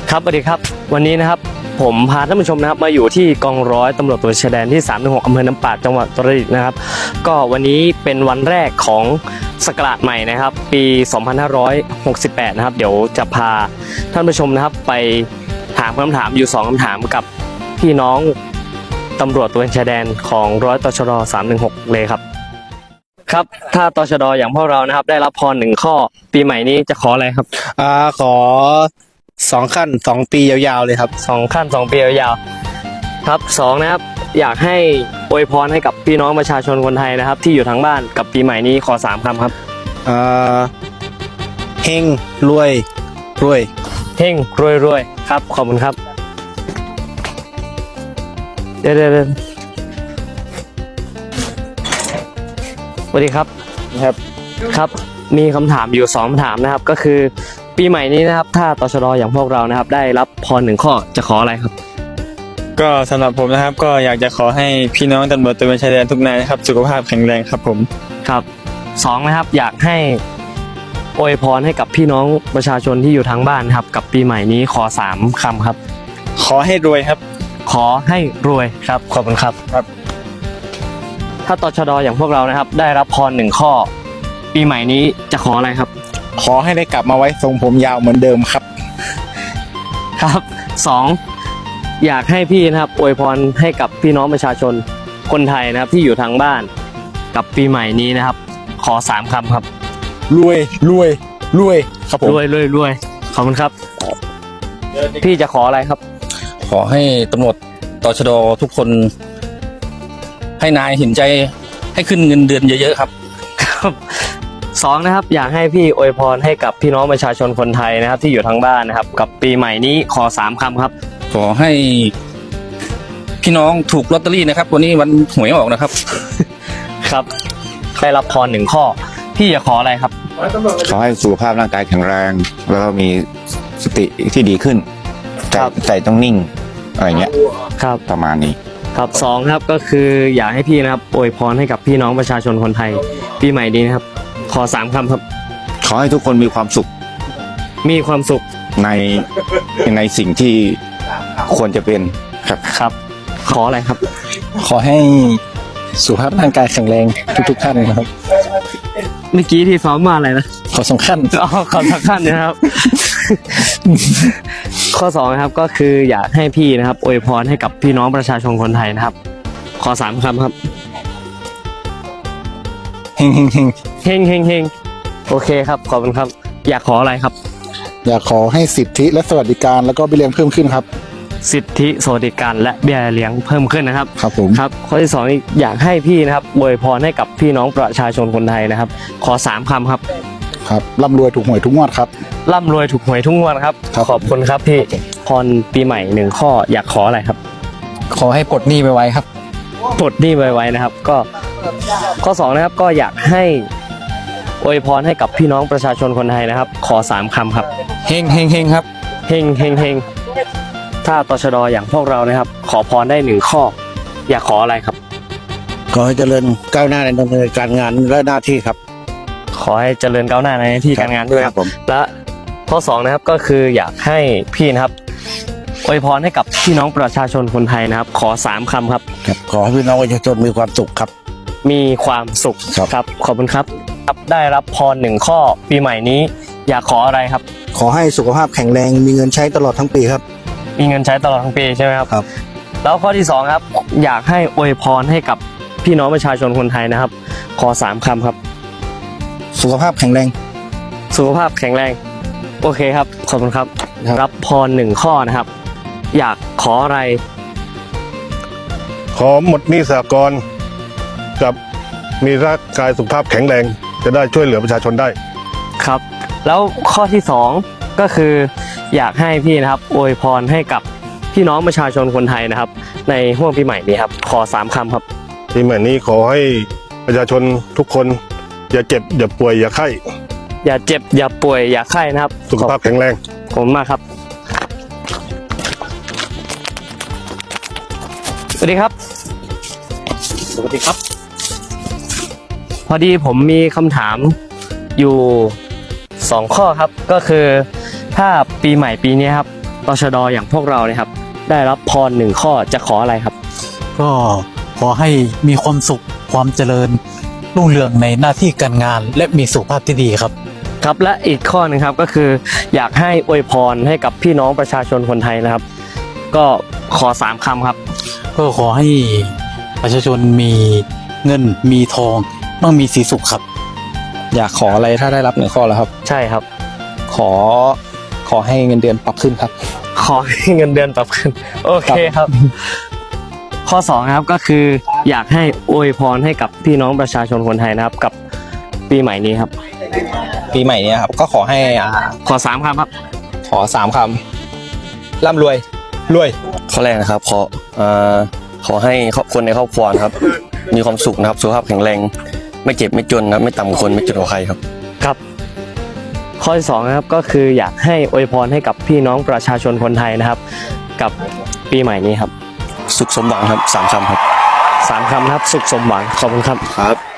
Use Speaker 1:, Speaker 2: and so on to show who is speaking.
Speaker 1: ครับสวัสดีครับวันนี้นะครับผมพาท่านผู้ชมนะครับมาอยู่ที่กองร้อยตำรวจตระเวนชายแดนที่316อำเภอน้ำปาดจังหวัดอุตรดิตถ์นะครับก็วันนี้เป็นวันแรกของศักราชใหม่นะครับปี2568นะครับเดี๋ยวจะพาท่านผู้ชมนะครับไปถามคำถามอยู่2คำถามกับพี่น้องตำรวจตระเวนชายแดนของร้อยตชด316เลยครับครับถ้าตชดอย่างพวกเรานะครับได้รับพร1ข้อปีใหม่นี้จะขออะไรครับ
Speaker 2: ขอ2 ขั้น 2 ปียาวๆเลยครับ
Speaker 1: 2 ขั้น 2 ปียาวๆครับ2นะครับอยากให้อวยพรให้กับพี่น้องประชาชนคนไทยนะครับที่อยู่ทางบ้านกับปีใหม่นี้ขอ3คำครับ
Speaker 2: เฮงรวย
Speaker 1: เฮงรวยครับขอบคุณครับเดี๋ยวสวัสดีครับครับมีคำถามอยู่2คำถามนะครับก็คือปีใหม่นี้นะครับถ้าตชดอย่างพวกเรานะครับได้รับพร1ข้อจะขออะไรครับ
Speaker 2: ก็สำหรับผมนะครับก็อยากจะขอให้พี่น้องตำรวจตระเวนชายแดนทุกนายนะครับสุขภาพแข็งแรงครับผม
Speaker 1: ครับ2นะครับอยากให้อวยพรให้กับพี่น้องประชาชนที่อยู่ทางบ้านครับกับปีใหม่นี้ขอ3คำครับ
Speaker 2: ขอให้รวยครับ
Speaker 1: ขอให้รวยครับขอบคุณครับถ้าตชดอย่างพวกเรานะครับได้รับพร1ข้อปีใหม่นี้จะขออะไรครับ
Speaker 2: ขอให้ได้กลับมาไว้ทรงผมยาวเหมือนเดิมครับ
Speaker 1: ครับ2อยากให้พี่นะครับอวยพรให้กับพี่น้องประชาชนคนไทยนะครับที่อยู่ทางบ้านกับปีใหม่นี้นะครับขอ3คำครับ
Speaker 2: รวยครับผม
Speaker 1: รวยขอบคุณครับพี่จะขออะไรครับ
Speaker 3: ขอให้ตำรวจตชดทุกคนให้นายเห็นใจให้ขึ้นเงินเดือนเยอะๆครับ
Speaker 1: 2นะครับอยากให้พี่อวยพรให้กับพี่น้องประชาชนคนไทยนะครับที่อยู่ทางบ้านนะครับกับปีใหม่นี้ขอ3คำครับ
Speaker 3: ขอให้พี่น้องถูกลอตเตอรี่นะครับวันนี้วันหวยออกนะครับ
Speaker 1: ครับได้รับพร1ข้อพี่จะขออะไรครับ
Speaker 4: ขอให้สุขภาพร่างกายแข็งแรงแล้วก็มีสติที่ดีขึ้นใจต้องนิ่งอะไรเงี้ย
Speaker 1: ครับ
Speaker 4: ประมาณนี้
Speaker 1: ครับ2ครับก็คืออยากให้พี่นะครับอวยพรให้กับพี่น้องประชาชนคนไทยปีใหม่นี้นะครับขอ3คำครับ
Speaker 4: ขอให้ทุกคนมีความสุขในสิ่งที่ควรจะเป็น
Speaker 1: ครับขออะไรครับ
Speaker 2: ขอให้สุขภาพร่างกายแข็งแรงทุกท่านนะครับ
Speaker 1: เมื่อกี้ที่ซ้อมมาอะไรนะ
Speaker 2: ขอ2 ขั้น
Speaker 1: ขอ2 ขั้นนะครับข้อ2นะครับก็คืออยากให้พี่นะครับอวยพรให้กับพี่น้องประชาชนคนไทยนะครับขอ3คำครับ
Speaker 2: เฮง
Speaker 1: โอเคครับขอบคุณครับอยากขออะไรครับ
Speaker 2: อยากขอให้สิทธิและสวัสดิการแล้วก็เบี้ยเลี้ยงเพิ่มขึ้นครับ
Speaker 1: สิทธิสวัสดิการและเบี้ยเลี้ยงเพิ่มขึ้นนะครับ
Speaker 2: ครับผม
Speaker 1: ครับข้อที่2อยากให้พี่นะครับอวยพรให้กับพี่น้องประชาชนคนไทยนะครับขอ3คำครับ
Speaker 2: ร่ำรวยถูกหวยทุกงวดครับ
Speaker 1: ร่ำรวยถูกหวยทุกงวดครับขอบคุณครับพี่พรปีใหม่1ข้ออยากขออะไรครับ
Speaker 2: ขอให้ปลดหนี้ไวๆครับ
Speaker 1: ปลดหนี้ไวๆนะครับก็ข้อ2นะครับก็อยากให้อวยพรให้กับพี่น้องประชาชนคนไทยนะครับขอ3คำครับ
Speaker 2: เฮงครับ
Speaker 1: เฮงถ้าตชดอย่างพวกเรานะครับขอพรได้1ข้ออยากขออะไรครับ
Speaker 2: ขอให้เจริญก้าวหน้าในการงานและหน้าที่ครับ
Speaker 1: ขอให้เจริญก้าวหน้าในหน้าที่การงานด้วยครับและข้อ2นะครับก็คืออยากให้พี่นะครับอวยพรให้กับพี่น้องประชาชนคนไทยนะครับขอ3คำครับ
Speaker 2: ขอให้พี่น้องประชาชนมีความสุขครับ
Speaker 1: มีความสุขครับขอบคุณครับได้รับพร1ข้อปีใหม่นี้อยากขออะไรครับ
Speaker 2: ขอให้สุขภาพแข็งแรงมีเงินใช้ตลอดทั้งปีครับ
Speaker 1: มีเงินใช้ตลอดทั้งปีใช่ไหมครับแล้วข้อที่2ครับอยากให้อวยพรให้กับพี่น้องประชาชนคนไทยนะครับขอ3คำครับ
Speaker 2: สุขภาพแข็งแรง
Speaker 1: โอเคครับขอบคุณครับรับพร1ข้อนะครับอยากขออะไร
Speaker 5: ขอหมดหนี้สหกรณ์กับมีร่างกายสุขภาพแข็งแรงจะได้ช่วยเหลือประชาชนได้
Speaker 1: ครับแล้วข้อที่2ก็คืออยากให้พี่นะครับอวยพรให้กับพี่น้องประชาชนคนไทยนะครับในห่วงปีใหม่นี้ครับขอ3คำครับ
Speaker 5: ปีใหม่นี้ขอให้ประชาชนทุกคนอย่าเจ็บอย่าป่วยอย่าไข้
Speaker 1: อย่าเจ็บอย่าป่วยอย่าไข้นะครับ
Speaker 5: สุขภาพแข็งแรง
Speaker 1: ขอบคุณมากครับสวัสดีครับพอดีผมมีคำถามอยู่2ข้อครับก็คือถ้าปีใหม่ปีนี้ครับตชดอย่างพวกเราเนี่ยครับได้รับพร1ข้อจะขออะไรครับ
Speaker 6: ก็ขอให้มีความสุขความเจริญรุ่งเรืองในหน้าที่การงาน และมีสุขภาพที่ดีครับ
Speaker 1: ครับและอีกข้อหนึงครับก็คืออยากให้อวยพรให้กับพี่น้องประชาชนคนไทยนะครับ ก็ขอ3คำครับ
Speaker 6: ก็ขอให้ประชาชนมีเงินมีทองมั่งมีสีสุขครับ
Speaker 7: อยากขออะไรถ้าได้รับ1 ข้อแล้วครับ
Speaker 1: ใช่ครับ
Speaker 7: ขอให้เงินเดือนปรับขึ้นครับ
Speaker 1: ขอให้เงินเดือนปรับขึ้นโอเคครับ ข้อ2นะครับก็คืออยากให้อวยพรให้กับพี่น้องประชาชนคนไทยนะครับกับปีใหม่นี้ครับ
Speaker 7: ปีใหม่เนี้ครับก็ขอให้
Speaker 1: ขอ3คำครับ
Speaker 7: ขอ3 คำร่ำรวยรวย
Speaker 8: ข้อแรกนะครับขอให้คนในครอบครัวนะครับมีความสุขนะครับสุขภาพแข็งแรงไม่เจ็บไม่จนนะครับไม่ต่ำกว่าคนไม่จนกว่าใครครับ
Speaker 1: ครับ ข้อที่2นะครับก็คืออยากให้อวยพรให้กับพี่น้องประชาชนคนไทยนะครับ กับปีใหม่นี้ครับ
Speaker 8: สุขสมหวังครับ3 คำครับ
Speaker 1: 3คำนะครับสุขสมหวังขอบคุณครับ
Speaker 8: ครับ